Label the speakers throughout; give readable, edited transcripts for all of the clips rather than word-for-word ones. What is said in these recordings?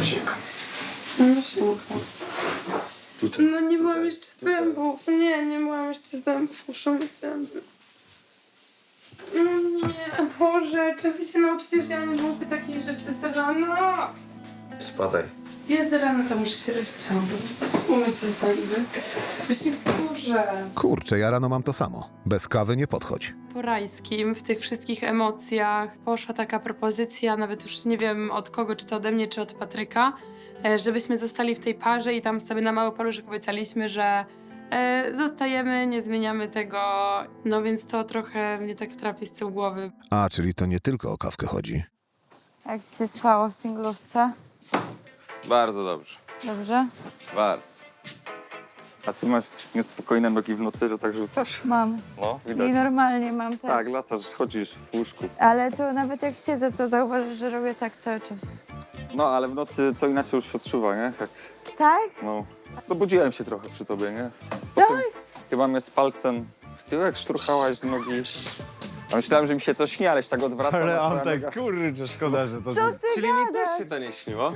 Speaker 1: Masienko.
Speaker 2: Masienko.
Speaker 1: Tutaj.
Speaker 2: No nie byłam jeszcze zębów. Nie byłam jeszcze zębów. Muszę mieć zęby. No nie, Boże, czy wy się nauczycie, że ja nie lubię takich rzeczy z rana?
Speaker 1: Spadaj.
Speaker 2: Jest rano, to muszę się rozciągnąć. Umyć te zęby. Właśnie Boże.
Speaker 3: Kurczę, ja rano mam to samo. Bez kawy nie podchodź.
Speaker 2: Po rajskim, w tych wszystkich emocjach poszła taka propozycja, nawet już nie wiem od kogo, czy to ode mnie, czy od Patryka, żebyśmy zostali w tej parze i tam sobie na mały paluszek obiecaliśmy, że zostajemy, nie zmieniamy tego, no więc to trochę mnie tak trapi z tyłu głowy.
Speaker 3: A, czyli to nie tylko o kawkę chodzi.
Speaker 4: Jak ci się spało w singlówce?
Speaker 5: Bardzo dobrze.
Speaker 4: Dobrze?
Speaker 5: Bardzo. A ty masz niespokojne nogi w nocy, że tak rzucasz?
Speaker 4: Mam.
Speaker 5: No,
Speaker 4: I
Speaker 5: widać.
Speaker 4: normalnie mam też.
Speaker 5: Tak, latasz, chodzisz w łóżku.
Speaker 4: Ale to nawet jak siedzę, to zauważysz, że robię tak cały czas.
Speaker 5: No, ale w nocy to inaczej już się odczuwa, nie? Jak,
Speaker 4: Tak?
Speaker 5: no, dobudziłem się trochę przy tobie, nie? Potem chyba mnie z palcem w tyłek szturchałaś z nogi. A myślałem, że mi się to śni, ale się tak odwraca.
Speaker 6: Ale
Speaker 5: na
Speaker 6: on
Speaker 5: twoja
Speaker 6: tak,
Speaker 5: noga.
Speaker 6: kurczę, szkoda, że to...
Speaker 4: Co ty
Speaker 1: Czyli mi
Speaker 4: gadasz?
Speaker 1: też się to nie śniło?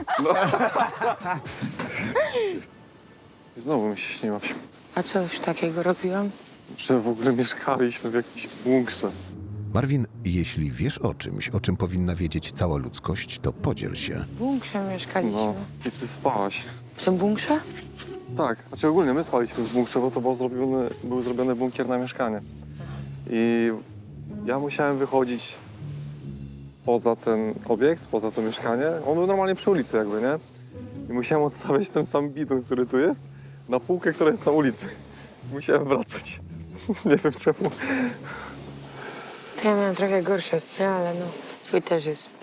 Speaker 5: Znowu mi się śniło,
Speaker 7: A co już takiego robiłam?
Speaker 5: że w ogóle mieszkaliśmy w jakimś bunkrze.
Speaker 3: Marvin, jeśli wiesz o czymś, o czym powinna wiedzieć cała ludzkość, to podziel się.
Speaker 7: W bunkrze mieszkaliśmy.
Speaker 5: No, i ty spałaś.
Speaker 7: W tym bunkrze?
Speaker 5: Tak, znaczy ogólnie my spaliśmy w bunkrze, bo to był zrobiony bunkier na mieszkanie. I ja musiałem wychodzić poza ten obiekt, poza to mieszkanie. On był normalnie przy ulicy jakby, nie? I musiałem odstawiać ten sam bidon, który tu jest, na półkę, która jest na ulicy. Musiałem wracać. Nie wiem czemu.
Speaker 7: To ja miałam trochę gorsze sny, ale no, twój też jest